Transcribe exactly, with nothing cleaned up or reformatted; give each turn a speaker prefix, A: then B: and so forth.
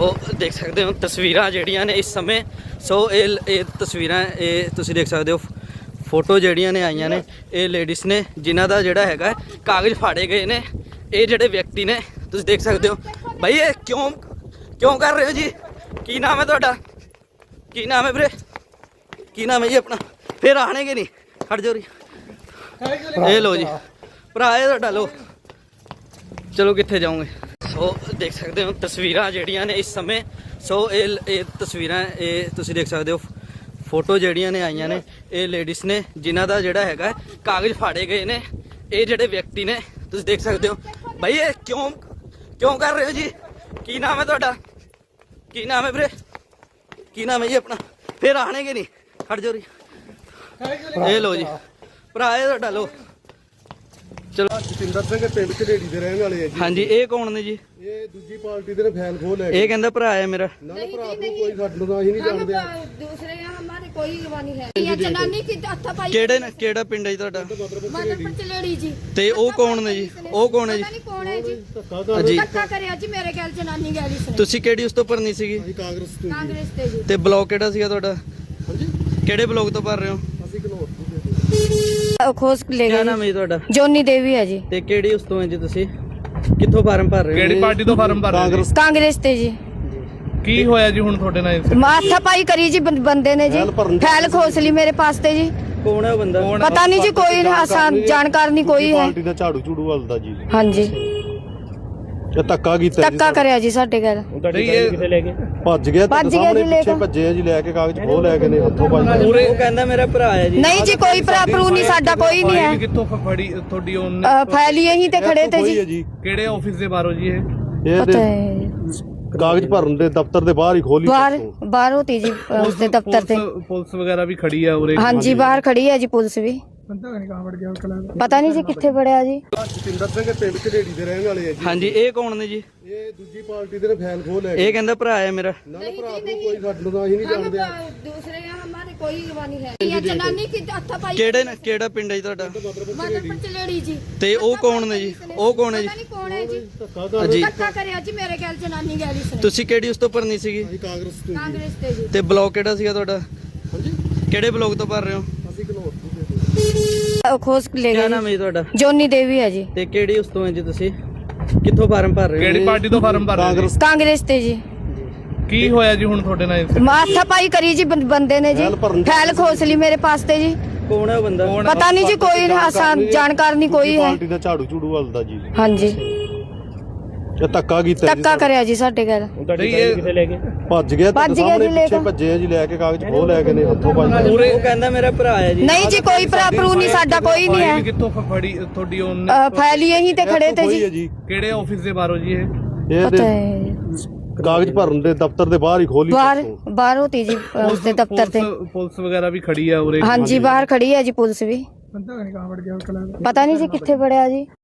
A: ਸੋ ਦੇਖ ਸਕਦੇ ਹੋ ਤਸਵੀਰਾਂ ਜਿਹੜੀਆਂ ਨੇ ਇਸ ਸਮੇਂ। ਸੋ ਇਹ ਇਹ ਤਸਵੀਰਾਂ ਇਹ ਤੁਸੀਂ ਦੇਖ ਸਕਦੇ ਹੋ ਫੋਟੋ ਜਿਹੜੀਆਂ ਨੇ ਆਈਆਂ ਨੇ, ਇਹ ਲੇਡੀਜ਼ ਨੇ ਜਿਨ੍ਹਾਂ ਦਾ ਜਿਹੜਾ ਹੈਗਾ ਕਾਗਜ਼ ਫਾੜੇ ਗਏ ਨੇ। ਇਹ ਜਿਹੜੇ ਵਿਅਕਤੀ ਨੇ ਤੁਸੀਂ ਦੇਖ ਸਕਦੇ ਹੋ। ਭਾਈ ਇਹ ਕਿਉਂ ਕਿਉਂ ਕਰ ਰਹੇ ਹੋ ਜੀ? ਕੀ ਨਾਮ ਹੈ ਤੁਹਾਡਾ? ਕੀ ਨਾਮ ਹੈ ਵੀਰੇ? ਕੀ ਨਾਮ ਹੈ ਜੀ ਆਪਣਾ? ਫਿਰ ਆਣਗੇ ਨਹੀਂ ਖੜ ਜਾਓ ਰੀ। ਇਹ ਲੋ ਜੀ ਭਰਾ ਇਹ ਤੁਹਾਡਾ। ਲੋ ਚਲੋ ਕਿੱਥੇ ਜਾਓਗੇ? ਸੋ ਦੇਖ ਸਕਦੇ ਹੋ ਤਸਵੀਰਾਂ ਜਿਹੜੀਆਂ ਨੇ ਇਸ ਸਮੇਂ। ਸੋ ਇਹ ਇਹ ਤਸਵੀਰਾਂ ਇਹ ਤੁਸੀਂ ਦੇਖ ਸਕਦੇ ਹੋ ਫੋਟੋ ਜਿਹੜੀਆਂ ਨੇ ਆਈਆਂ ਨੇ, ਇਹ ਲੇਡੀਜ਼ ਨੇ ਜਿਨ੍ਹਾਂ ਦਾ ਜਿਹੜਾ ਹੈਗਾ ਕਾਗਜ਼ ਫਾੜੇ ਗਏ ਨੇ। ਇਹ ਜਿਹੜੇ ਵਿਅਕਤੀ ਨੇ ਤੁਸੀਂ ਦੇਖ ਸਕਦੇ ਹੋ। ਭਾਈ ਇਹ ਕਿਉਂ ਕਿਉਂ ਕਰ ਰਹੇ ਹੋ ਜੀ? ਕੀ ਨਾਮ ਹੈ ਤੁਹਾਡਾ? ਕੀ ਨਾਮ ਹੈ ਵੀਰੇ? ਕੀ ਨਾਮ ਹੈ ਜੀ ਆਪਣਾ? ਫਿਰ ਆਣਗੇ ਨਹੀਂ ਖੜ ਜਾਓ ਰੀ। ਇਹ ਲੋ ਜੀ ਭਰਾ ਇਹ ਤੁਹਾਡਾ। ਲੋ ਚਲੋ
B: ਜਤਿੰਦਰ ਸਿੰਘ ਪਿੰਡ ਝਲੇੜੀ ਦੇ ਰਹਿਣ ਵਾਲੇ ਆ ਜੀ।
A: ਹਾਂਜੀ ਇਹ ਕੌਣ ਨੇ ਜੀ?
B: ਇਹ ਦੂਜੀ ਪਾਰਟੀ ਦੇ ਨੇ ਫੈਨ ਖੋਲ ਲੈ
A: ਇਹ ਕਹਿੰਦਾ ਭਰਾ ਹੈ ਮੇਰਾ।
B: ਨਾ ਭਰਾ ਨੂੰ ਕੋਈ ਸਾਨੂੰ ਤਾਂ ਅਸੀਂ ਨਹੀਂ ਜਾਣਦੇ।
C: दूसरे यहाँ हमारे कोई जवानी है ये जनानी की हत्थापाई
A: ਕਿਹੜੇ ਨੇ ਕਿਹੜਾ ਪਿੰਡ ਹੈ ਜੀ ਤੁਹਾਡਾ?
C: मदनपुर चलेड़ी जी।
A: ਤੇ ਉਹ ਕੌਣ ਨੇ ਜੀ? ਉਹ ਕੌਣ ਹੈ ਜੀ?
C: पता नहीं कौन है जी।
A: ਜੀ
C: धक्का करे जी मेरे गैल जनानी गैल इसने
A: ਤੁਸੀਂ ਕਿਹੜੀ ਉਸ ਤੋਂ ਭਰਨੀ ਸੀਗੀ?
B: ਅਸੀਂ ਕਾਂਗਰਸ ਤੋਂ ਜੀ।
C: कांग्रेस ते जी।
A: ਤੇ ਬਲੌਕ ਕਿਹੜਾ ਸੀਗਾ ਤੁਹਾਡਾ?
B: ਹਾਂਜੀ
A: ਕਿਹੜੇ ਬਲੌਕ ਤੋਂ ਭਰ ਰਹੇ ਹੋ?
B: ਅਸੀਂ ਘਨੌਰ ਤੋਂ
C: खोज ले
A: ਕੀ
C: गए
A: ਨਾਮ ਹੈ ਜੀ ਤੁਹਾਡਾ?
C: जोनी देवी है जी।
A: ਤੇ ਕਿਹੜੀ ਉਸ ਤੋਂ ਹੈ ਜੀ ਤੁਸੀਂ? ਕਿੱਥੋਂ ਫਾਰਮ ਭਰ ਰਹੇ ਹੋ?
D: ਕਿਹੜੀ ਪਾਰਟੀ ਤੋਂ ਫਾਰਮ ਭਰ ਰਹੇ
B: ਕਾਂਗਰਸ
D: ਜੀ?
C: कांग्रेस ते जी।
D: ਕੀ ਹੋਇਆ ਜੀ ਹੁਣ ਤੁਹਾਡੇ ਨਾਲ?
C: हत्थापाई करी जी बं- बंदे ने जी।
B: फैल भरन-
C: फैल खोस ली मेरे पास ते जी।
A: ਕੌਣ ਹੈ ਉਹ ਬੰਦਾ?
C: पता नहीं जी कोई आसान जानकार नहीं कोई है।
B: ਪਾਰਟੀ ਦਾ ਝਾੜੂ ਝੂੜੂ ਵੱਲਦਾ ਜੀ।
C: हाँ जी
B: ਇਹ ਧੱਕਾ ਕੀਤਾ ਜੀ
C: धक्का करे जी साडे गैल।
D: ਨਹੀਂ ਇਹ
B: ਭੱਜ ਗਿਆ
C: ਭੱਜ
B: ਤੇ
C: ਗਿਆ
B: ਸਾਹਮਣੇ
C: ਜੀ ਲੈ
B: ਪਿੱਛੇ
C: ਕੇ।
B: ਭੱਜੇ ਆ ਜੀ ਲੈ ਕੇ ਕਾਗਜ਼ ਖੋਹ ਲੈ ਕੇ ਨੇ ਹੱਥੋਂ ਭੱਜ ਗਏ।
D: ਪੂਰੇ
A: ਉਹ ਕਹਿੰਦਾ ਮੇਰਾ ਭਰਾ ਹੈ ਜੀ।
C: नहीं जी कोई भरा भरू नहीं साडा कोई नहीं
D: ਫਾਈਲ
C: है।
D: ਕਿੱਥੋਂ ਫ- ਫੜੀ ਤੁਹਾਡੀ ਉਹਨੇ?
C: अ, फैल यहीं ते खड़े थे
B: ਖੋਹੀ ਹੈ
C: जी।
B: ਜੀ।
D: ਕਿਹੜੇ ਆਫਿਸ ਦੇ ਬਾਹਰੋਂ ਜੀ ਇਹ?
B: ਇਹ
C: पता
B: ਤੇ
C: है
B: ਕਾਗਜ਼ ਭਰਨ ਦੇ ਦਫ਼ਤਰ ਦੇ ਬਾਹਰ ਹੀ ਖੋਲੀ
C: बाहर बाहर होती जी उसके दफ्तर से।
D: ਪੁਲਿਸ ਪੁਲਿਸ ਵਗੈਰਾ ਵੀ ਖੜੀ ਆ ਉਰੇ।
C: हाँ जी बाहर खड़ी है जी पुलिस भी। पता नहीं जी कितने बड़े जी।
B: ਜਤਿੰਦਰ ਸਿੰਘ ਪਿੰਡ ਝਲੇੜੀ ਦੇ ਰਹਿਣ ਵਾਲੇ ਆ ਜੀ।
A: ਹਾਂਜੀ ਇਹ ਕੌਣ ਨੇ ਜੀ?
B: ਇਹ ਦੂਜੀ ਪਾਰਟੀ ਦੇ ਨੇ ਫੈਨ ਖੋਹ ਲੈ ਕੇ।
A: ਇਹ ਕਹਿੰਦਾ ਭਰਾ ਹੈ ਮੇਰਾ।
B: ਨਾ ਭਰਾ ਨੂੰ ਕੋਈ ਸਾਨੂੰ ਤਾਂ ਅਸੀਂ ਨਹੀਂ ਜਾਣਦੇ।
C: दूसरे यहाँ हमारे कोई जवानी है ये जनानी की हत्थापाई।
A: ਕਿਹੜੇ ਨੇ ਕਿਹੜਾ ਪਿੰਡ ਹੈ ਜੀ ਤੁਹਾਡਾ?
C: मदनपुर चलेड़ी जी।
A: ਤੇ ਉਹ ਕੌਣ ਨੇ ਜੀ? ਉਹ ਕੌਣ ਹੈ ਜੀ?
C: पता नहीं कौन है जी।
B: ਧੱਕਾ
A: ਜੀ
C: धक्का करे जी मेरे गैल जनानी गैल इसने
A: ਤੁਸੀਂ ਕਿਹੜੀ ਉਸ ਤੋਂ ਭਰਨੀ ਸੀਗੀ?
B: ਅਸੀਂ ਕਾਂਗਰਸ ਤੋਂ ਜੀ।
C: कांग्रेस ते जी।
A: ਤੇ ਬਲੌਕ ਕਿਹੜਾ ਸੀਗਾ ਤੁਹਾਡਾ?
B: ਹਾਂਜੀ
A: ਕਿਹੜੇ ਬਲੌਕ ਤੋਂ ਭਰ ਰਹੇ ਹੋ?
B: ਅਸੀਂ ਘਨੌਰ ਤੋਂ ਜੀ।
C: खोज ले
A: ਕੀ
C: गए
A: ਨਾਮ ਹੈ ਜੀ ਤੁਹਾਡਾ?
C: जोनी देवी है जी।
A: ਤੇ ਕਿਹੜੀ ਉਸ ਤੋਂ ਹੈ ਜੀ ਤੁਸੀਂ? ਕਿੱਥੋਂ ਫਾਰਮ ਭਰ ਰਹੇ ਹੋ?
D: ਕਿਹੜੀ ਪਾਰਟੀ ਤੋਂ ਫਾਰਮ ਭਰ ਰਹੇ
B: ਕਾਂਗਰਸ
C: कांग्रेस ते जी।
D: ਜੀ? ਕੀ ਹੋਇਆ ਜੀ ਹੁਣ ਤੁਹਾਡੇ ਨਾਲ?
C: हत्थापाई करी जी बं- बंदे ने जी।
B: फैल भरन-
C: फैल खोस ली मेरे पास ते जी।
A: ਕੌਣ ਹੈ ਉਹ ਬੰਦਾ?
C: पता नहीं जी कोई आसान जानकार नहीं कोई है।
B: ਪਾਰਟੀ ਦਾ ਝਾੜੂ ਝੂੜੂ ਵੱਲਦਾ ਜੀ।
C: हाँ जी
B: ਇਹ ਧੱਕਾ ਕੀਤਾ ਜੀ।
C: धक्का करे जी साडे गैल।
D: ਨਹੀਂ ਇਹ
B: ਭੱਜ ਗਿਆ ਤੇ
C: ਭੱਜ ਗਿਆ
B: ਸਾਹਮਣੇ
C: ਜੀ ਲੈ
B: ਪਿੱਛੇ
C: ਕੇ।
B: ਭੱਜੇ ਆ ਜੀ ਲੈ ਕੇ ਕਾਗਜ਼ ਖੋਹ ਲੈ ਕੇ ਨੇ ਹੱਥੋਂ ਭੱਜ ਗਏ।
D: ਪੂਰੇ
A: ਉਹ ਕਹਿੰਦਾ ਮੇਰਾ ਭਰਾ ਹੈ ਜੀ।
C: नहीं जी कोई भरा भरू नहीं साडा कोई नहीं
D: ਫਾਈਲ
C: है।
D: ਕਿੱਥੋਂ ਫ- ਫੜੀ ਤੁਹਾਡੀ ਉਹਨੇ?
C: अ, फैल यहीं ते खड़े थे
B: ਖੋਹੀ
C: जी।
B: ਹੈ ਜੀ।
D: ਕਿਹੜੇ ਆਫਿਸ ਦੇ ਬਾਹਰੋਂ ਜੀ ਇਹ?
B: ਇਹ
C: पता
B: ਤੇ
C: है
B: ਕਾਗਜ਼ ਭਰਨ ਦੇ ਦਫ਼ਤਰ ਦੇ ਬਾਹਰ ਹੀ ਖੋਲੀ
C: बाहर बाहर होती जी उसके दफ्तर से।
D: ਪੁਲਿਸ ਪੁਲਿਸ ਵਗੈਰਾ ਵੀ ਖੜੀ ਆ ਉਰੇ।
C: हाँ जी बाहर खड़ी है जी पुलिस भी। पता नहीं जी कितने बड़े जी।